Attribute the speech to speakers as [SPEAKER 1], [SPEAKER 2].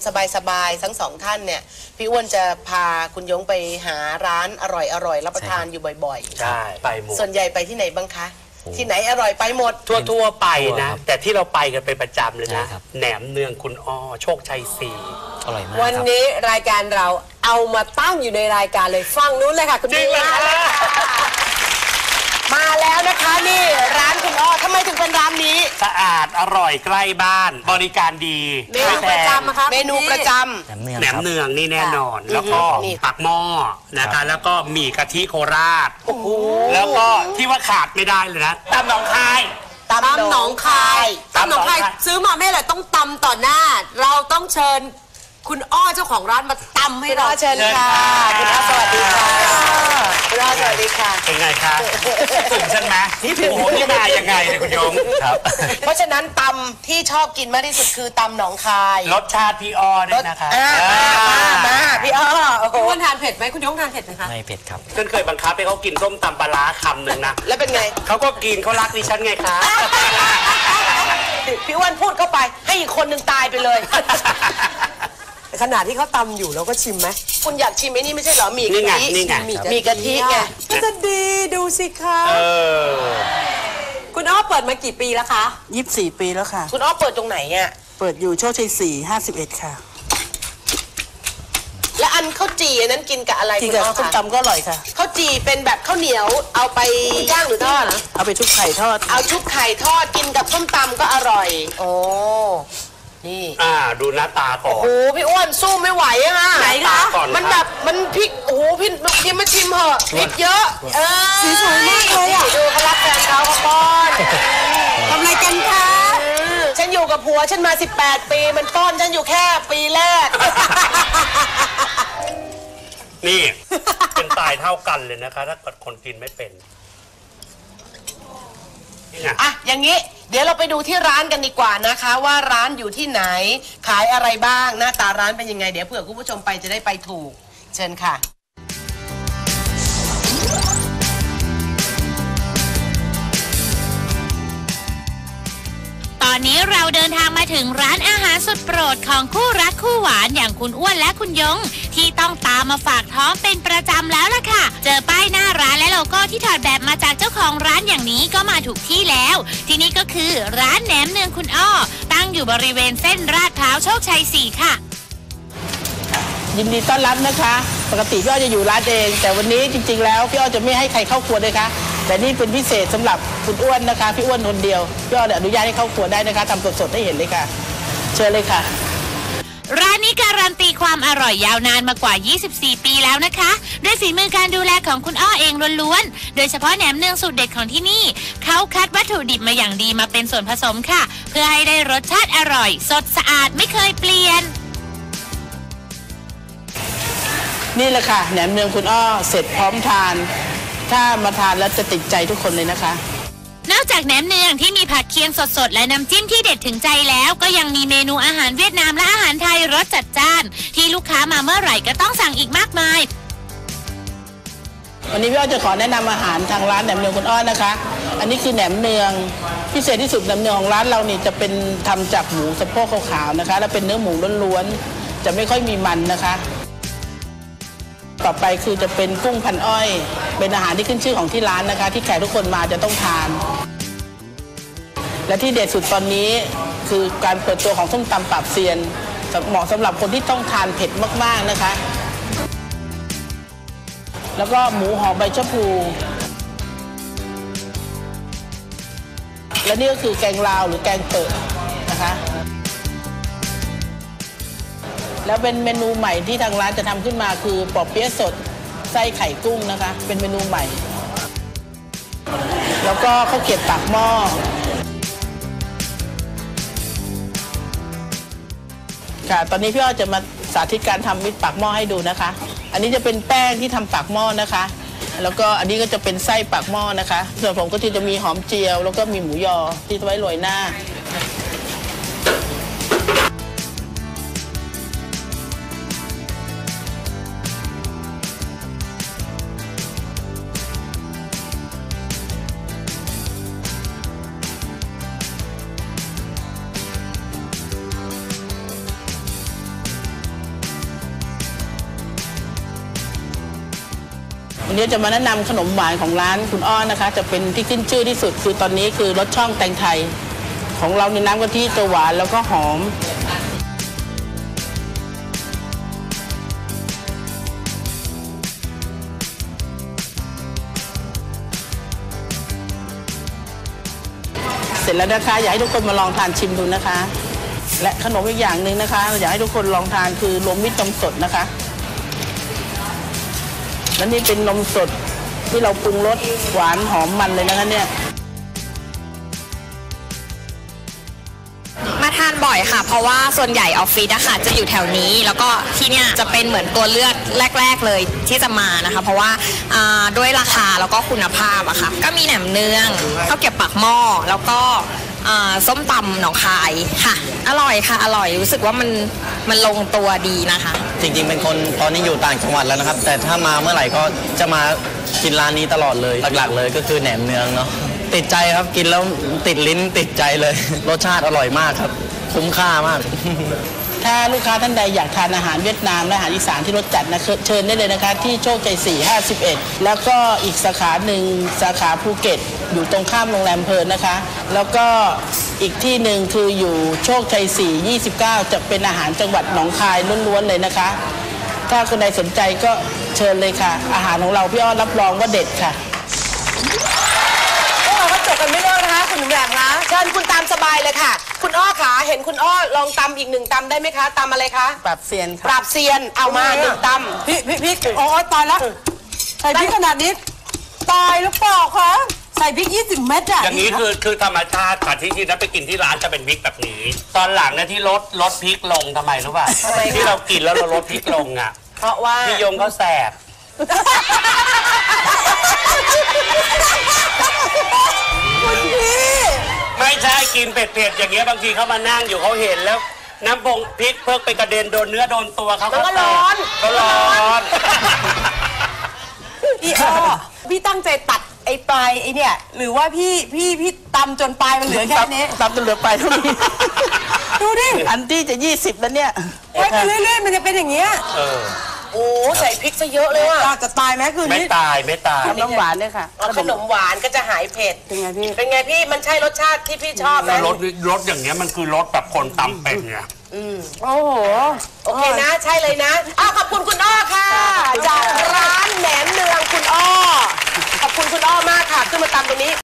[SPEAKER 1] สบายๆทั้งสองท่านเนี่ยพี่อ้วนจะพาคุณยงไปหาร้านอร่อยรับประทานอยู่บ่อยๆ
[SPEAKER 2] ใช่ไปหมด
[SPEAKER 1] ส่วนใหญ่ไปที่ไหนบ้างคะที่ไหนอร่อยไปหมด
[SPEAKER 2] ทั่วไปนะแต่ที่เราไปกันเป็นประจำเลยนะแหนมเนืองคุณอ้อโชคชัย4อร่อยมาก
[SPEAKER 3] วันนี้รายการเราเอามาตั้งอยู่ในรายการเลยฟังนู้นเลยค่ะคุณ
[SPEAKER 2] จริงเหรอ
[SPEAKER 1] มาแล้วนะคะนี่ร้านคุณอ้อทำไมถึงเป็นร้านนี้
[SPEAKER 2] สะอาดอร่อยใกล้บ้านบริการดี
[SPEAKER 3] เมนูประจำนะคะ
[SPEAKER 1] เมนูประจำ
[SPEAKER 2] แหนมเนืองนี่แน่นอนแล้วก็ปากหม้อนะคะแล้วก็หมี่กะทิโคราชแล้วก็ที่ว่าขาดไม่ได้เลยนะตำหนองคาย
[SPEAKER 3] ตำหนองคายซื้อมาไม่เลยต้องตำต่อหน้าเราต้องเชิญคุณอ้อเจ้าของร้านมาตำให้เรา
[SPEAKER 1] เชิญค่ะคุณอ้อสวัสดีค่ะคุณอ้อสวัสดีค่ะ
[SPEAKER 2] เป็นไงคะถึงฉันไหมโอ้โหนี่มายังไงเนี่ยคุณยงครับ
[SPEAKER 1] เพราะฉะนั้นตำที่ชอบกินมากที่สุดคือตำหนองคาย
[SPEAKER 2] รสชาติพี่อ้อด้วยนะคะ
[SPEAKER 1] มาพี่อ้อ
[SPEAKER 3] คุณทานเผ็ดไหมคุณยงทานเผ็ดไหมคะ
[SPEAKER 4] ไม่เผ็ดครับ
[SPEAKER 2] ฉันเคยบังคับให้เขากินส้มตำปลาร้าคำหนึ่งนะ
[SPEAKER 1] แล้วเป็นไง
[SPEAKER 2] เขาก็กินเขารักดิฉันไงคะ
[SPEAKER 1] พี่อ้วนพูดเข้าไปให้อีกคนหนึ่งตายไปเลย
[SPEAKER 3] ขนาดที่เขาตำอยู่เราก็ชิมไหม
[SPEAKER 1] คุณอยากชิมไอ้นี่ไม่ใช่เหรอหมี่กะทิมีกะทิไง
[SPEAKER 3] ก็จะดีดูสิคะคุณอ้อเปิดมากี่ปีแล้วคะ
[SPEAKER 5] 24 ปีแล้วค่ะ
[SPEAKER 1] คุณอ้อเปิดตรงไหนอ่ะ
[SPEAKER 5] เปิดอยู่โชคชัย4 51ค่ะ
[SPEAKER 1] และอันข้าวจี่นั้นกินกับอะไร
[SPEAKER 5] กินกับส้มตำก็อร่อยค่ะ
[SPEAKER 1] ข้าวจี่เป็นแบบข้าวเหนียวเอาไปย่างหรือทอด
[SPEAKER 5] เอาไปชุบไข่ทอด
[SPEAKER 1] เอาชุบไข่ทอดกินกับส้มตำก็อร่อยโอ้นี่
[SPEAKER 2] ดูหน้าตาก่อน
[SPEAKER 1] โอ้โหพี่อ้วนสู้ไม่ไหวอะค่ะ
[SPEAKER 3] ไหนคะ
[SPEAKER 1] มันแบบมันพริกโอ้โหพี่มาชิมเหอะพริกเยอะ
[SPEAKER 3] สีสวยมากเลยอ่ะ
[SPEAKER 1] ดูเขารักแฟนเขาป้อน
[SPEAKER 3] ทำอะไรกันคะ
[SPEAKER 1] ฉันอยู่กับผัวฉันมา18 ปีมันป้อนฉันอยู่แค่ปีแรก
[SPEAKER 2] นี่เป็นตายเท่ากันเลยนะคะถ้าเกิดคนกินไม่เป็น
[SPEAKER 1] อ่ะอย่างนี้เดี๋ยวเราไปดูที่ร้านกันดีกว่านะคะว่าร้านอยู่ที่ไหนขายอะไรบ้างหน้าตาร้านเป็นยังไงเดี๋ยวเผื่อคุณผู้ชมไปจะได้ไปถูกเชิญค่ะ
[SPEAKER 6] ตอนนี้เราเดินทางมาถึงร้านอาหารสุดโปรดของคู่รักคู่หวานอย่างคุณอ้วนและคุณยงที่ต้องตามมาฝากท้องเป็นประจำแล้วล่ะค่ะเจอป้ายหน้าร้านและโลโก้ที่ถอดแบบมาจากเจ้าของร้านอย่างนี้ก็มาถูกที่แล้วที่นี่ก็คือร้านแหนมเนืองคุณอ้อตั้งอยู่บริเวณเส้นลาดพร้าวโชคชัย4ค่ะ
[SPEAKER 5] ยินดีต้อนรับนะคะปกติพี่อ้อจะอยู่ร้านเองแต่วันนี้จริงๆแล้วพี่อ้อจะไม่ให้ใครเข้าครัวเลยค่ะแต่นี่เป็นพิเศษสำหรับคุณอ้วนนะคะพี่อ้วนคนเดียวพี่อ้ออนุญาตให้เข้าครัวได้นะคะทำสดๆให้เห็นเลยค่ะเชิญเลยค่ะ
[SPEAKER 6] ร้านนี้การันตีความอร่อยยาวนานมากว่า24 ปีแล้วนะคะด้วยฝีมือการดูแลของคุณอ้อเองล้วนๆโดยเฉพาะแหนมเนืองสูตรเด็ดของที่นี่เขาคัดวัตถุดิบมาอย่างดีมาเป็นส่วนผสมค่ะเพื่อให้ได้รสชาติอร่อยสดสะอาดไม่เคยเปลี่ยน
[SPEAKER 5] นี่แหละค่ะแหนมเนืองคุณอ้อเสร็จพร้อมทานถ้ามาทานแล้วจะติดใจทุกคนเลยนะคะ
[SPEAKER 6] นอกจากแหนมเนืองที่มีผักเคียงสดๆและน้ำจิ้มที่เด็ดถึงใจแล้วก็ยังมีเมนูอาหารเวียดนามและอาหารไทยรสจัดจ้านที่ลูกค้ามาเมื่อไหร่ก็ต้องสั่งอีกมากมาย
[SPEAKER 5] วันนี้พี่อ้อจะขอแนะนำอาหารทางร้านแหนมเนืองคุณอ้อนะคะอันนี้คือแหนมเนืองพิเศษที่สุดแหนมเนืองของร้านเรานี่จะเป็นทำจากหมูสะโพกขาวๆนะคะและเป็นเนื้อหมูล้วนๆจะไม่ค่อยมีมันนะคะต่อไปคือจะเป็นกุ้งพันอ้อยเป็นอาหารที่ขึ้นชื่อของที่ร้านนะคะที่แขกทุกคนมาจะต้องทานและที่เด็ดสุดตอนนี้คือการเปิดตัวของส้มตำปราบเซียนเหมาะสำหรับคนที่ต้องทานเผ็ดมากๆนะคะแล้วก็หมูหอมใบชะพูและนี่ก็คือแกงลาวหรือแกงเปิดนะคะแล้วเป็นเมนูใหม่ที่ทางร้านจะทำขึ้นมาคือปอเปี๊ยะสดไส้ไข่กุ้งนะคะเป็นเมนูใหม่แล้วก็ข้าวเกรี๊ยวปากหม้อค่ะตอนนี้พี่อ้อจะมาสาธิตการทำมิตรปากหม้อให้ดูนะคะอันนี้จะเป็นแป้งที่ทำปากหม้อนะคะแล้วก็อันนี้ก็จะเป็นไส้ปากหม้อนะคะส่วนผมก็จะมีหอมเจียวแล้วก็มีหมูยอที่ไว้โรยหน้าวันนี้จะมาแนะนำขนมหวานของร้านคุณอ้อนะคะจะเป็นที่ขึ้นชื่อที่สุดคือตอนนี้คือรสช่องแตงไทยของเราในน้ำกะทิจะหวานแล้วก็หอมเสร็จแล้วนะคะอยากให้ทุกคนมาลองทานชิมดูนะคะและขนมอีกอย่างหนึ่งนะคะอยากให้ทุกคนลองทานคือรวมมิตรนมสดนะคะและนี่เป็นนมสดที่เราปรุงรสหวานหอมมันเลยนะคะเนี่ย
[SPEAKER 4] มาทานบ่อยค่ะเพราะว่าส่วนใหญ่ออฟฟิศอะค่ะจะอยู่แถวนี้แล้วก็ที่เนี่ยจะเป็นเหมือนตัวเลือกแรกๆเลยที่จะมานะคะเพราะว่าด้วยราคาแล้วก็คุณภาพอะค่ะก็มีแหนมเนืองข้าวเกรี๊ยวปากหม้อแล้วก็ส้มตำหนองคายค่ะอร่อยค่ะอร่อยรู้สึกว่ามันลงตัวดีนะคะ
[SPEAKER 7] จริงๆเป็นคนตอนนี้อยู่ต่างจังหวัดแล้วนะครับแต่ถ้ามาเมื่อไหร่ก็จะมากินร้านนี้ตลอดเลยหลักๆเลยก็คือแหนมเนืองเนาะติดใจครับกินแล้วติดลิ้นติดใจเลยรสชาติอร่อยมากครับคุ้มค่ามาก
[SPEAKER 5] ถ้าลูกค้าท่านใดอยากทานอาหารเวียดนามและอาหารอีสานที่รสจัดนะเชิญได้เลยนะคะที่โชคชัย4 51แล้วก็อีกสาขาหนึ่งสาขาภูเก็ตอยู่ตรงข้ามโรงแรมเพลินนะคะแล้วก็อีกที่หนึ่งคืออยู่โชคชัย4 29จะเป็นอาหารจังหวัดหนองคายล้วนๆเลยนะคะถ้าคนใดสนใจก็เชิญเลยค่ะอาหารของเราพี่อ้อรับรองว่าเด็ดค่ะ
[SPEAKER 1] พวกเราก็จบกันไม่เลิกนะคะคุณหนุ่มแหลมคะเชิญคุณตามสบายเลยค่ะ คุณอ้อขาเห็นคุณอ้อลองตำอีก1ตำได้ไหมคะตำอะไรคะ
[SPEAKER 5] ปรับเซียน
[SPEAKER 1] ป
[SPEAKER 5] ค่ะ
[SPEAKER 1] ราบเซียนเอามา1ตำ
[SPEAKER 3] พี่โอ้ยตายแล้วใส่พริกขนาดนี้ตายหรือเปล่าคะใส่พริก20 เม็ดอะ
[SPEAKER 2] อย่างนี้คือธรรมชาติค่ะที่จริงแล้วไปกินที่ร้านจะเป็นพริกแบบนี้ ตอนหลังเนี่ยที่ลดพริกลงทำไมรู้ป่ะที่เรากินแล้วเราลดพริกลงอ่ะ
[SPEAKER 1] เพราะว่า
[SPEAKER 2] พี่ยงเขาแสบไม่ใช่กินเผ็ดๆอย่างเงี้ยบางทีเขามานั่งอยู่เขาเห็นแล้ว น้ำพงพริกเพิ่งไปกระเด็นโดนเนื้อโดนตัวเขาก็ร้อนก็ร้อน
[SPEAKER 3] พี่อ้อพี่ตั้งใจตัดไอ้ปลายไอ้เนี่ยหรือว่าพี่ตำจนปลายมันเหลือแค่นี้
[SPEAKER 5] ตำจนเหลือไปเท่านี้
[SPEAKER 3] ดูดิ
[SPEAKER 5] อันที่จะ20แล้วเนี่ย
[SPEAKER 3] ไว้ไปเรื่อยๆมันจะเป็นอย่างเงี้ย
[SPEAKER 1] โอ้ใส่พริกซะเยอะเลยว่ะ
[SPEAKER 3] อยากจะตายไหมคืน
[SPEAKER 2] ไม่
[SPEAKER 3] นี้
[SPEAKER 2] ตายไม่ตาย
[SPEAKER 5] น้ำหวานด้วยค่ะ
[SPEAKER 1] เอาขนมหวานก็จะหายเผ็ด
[SPEAKER 3] เป็นไงพี่
[SPEAKER 1] เป็นไงพี่มันใช่รสชาติที่พี่ชอบไหม
[SPEAKER 2] รสอย่างเงี้ยมันคือรสแบบคนตำเป็นไง
[SPEAKER 3] โอ้โห
[SPEAKER 1] โอเคนะใช่เลยนะขอบคุณคุณอ้อค่ะ จากร้านแหนมเนืองคุณอ้อขอบคุณคุณอ้อมากค่ะขึ้นมาตำตรงนี้